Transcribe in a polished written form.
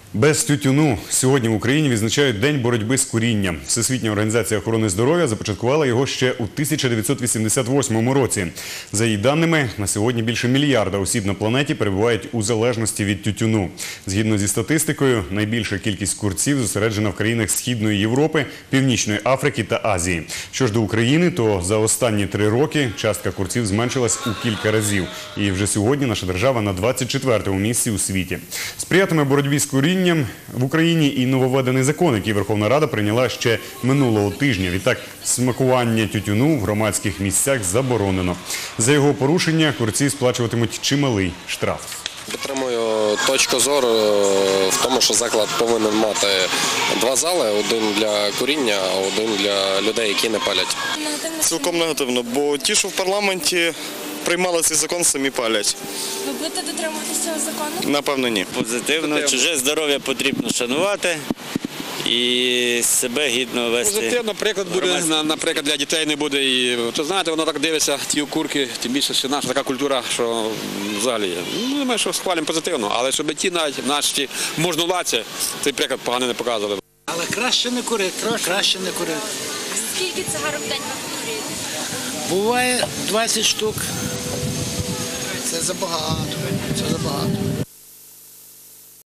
Без тютюну. Сьогодні в Україні відзначають День боротьби з курінням. Всесвітня організація охорони здоров'я започаткувала його ще у 1988 році. За її даними, на сьогодні більше мільярда осіб на планеті перебувають у залежності від тютюну. Згідно зі статистикою, найбільша кількість курців зосереджена в країнах Східної Європи, Північної Африки та Азії. Що ж до України, то за останні 3 роки частка курців зменшилась у кілька разів. І вже сьогодні наша держава на 24-му місці у світі. Сприятиме боротьбі з курінням в Україні і нововведений закон, який Верховна Рада прийняла ще минулого тижня. Відтак, смакування тютюну в громадських місцях заборонено. За його порушення курці сплачуватимуть чималий штраф. Підтримую точку зору в тому, що заклад повинен мати 2 зали, один для куріння, а один для людей, які не палять. Цілком негативно, бо ті, що в парламенті приймали цей закон, самі палять. Ви будете дотримуватися цього закону? Напевно, ні. Позитивно. Чуже здоров'я потрібно шанувати і себе гідно вести. Позитивно, приклад буде, наприклад, для дітей не буде. І, то, знаєте, воно так дивиться, ті курки, тим більше, що наша така культура, що взагалі, думаю, що схвалюємо позитивно, але щоб ті навіть наші можновладці цей приклад погано не показували. Але краще не курити, краще не курити. Скільки цигарок в день ви курюєте? Буває 20 штук. Це забагато, це забагато.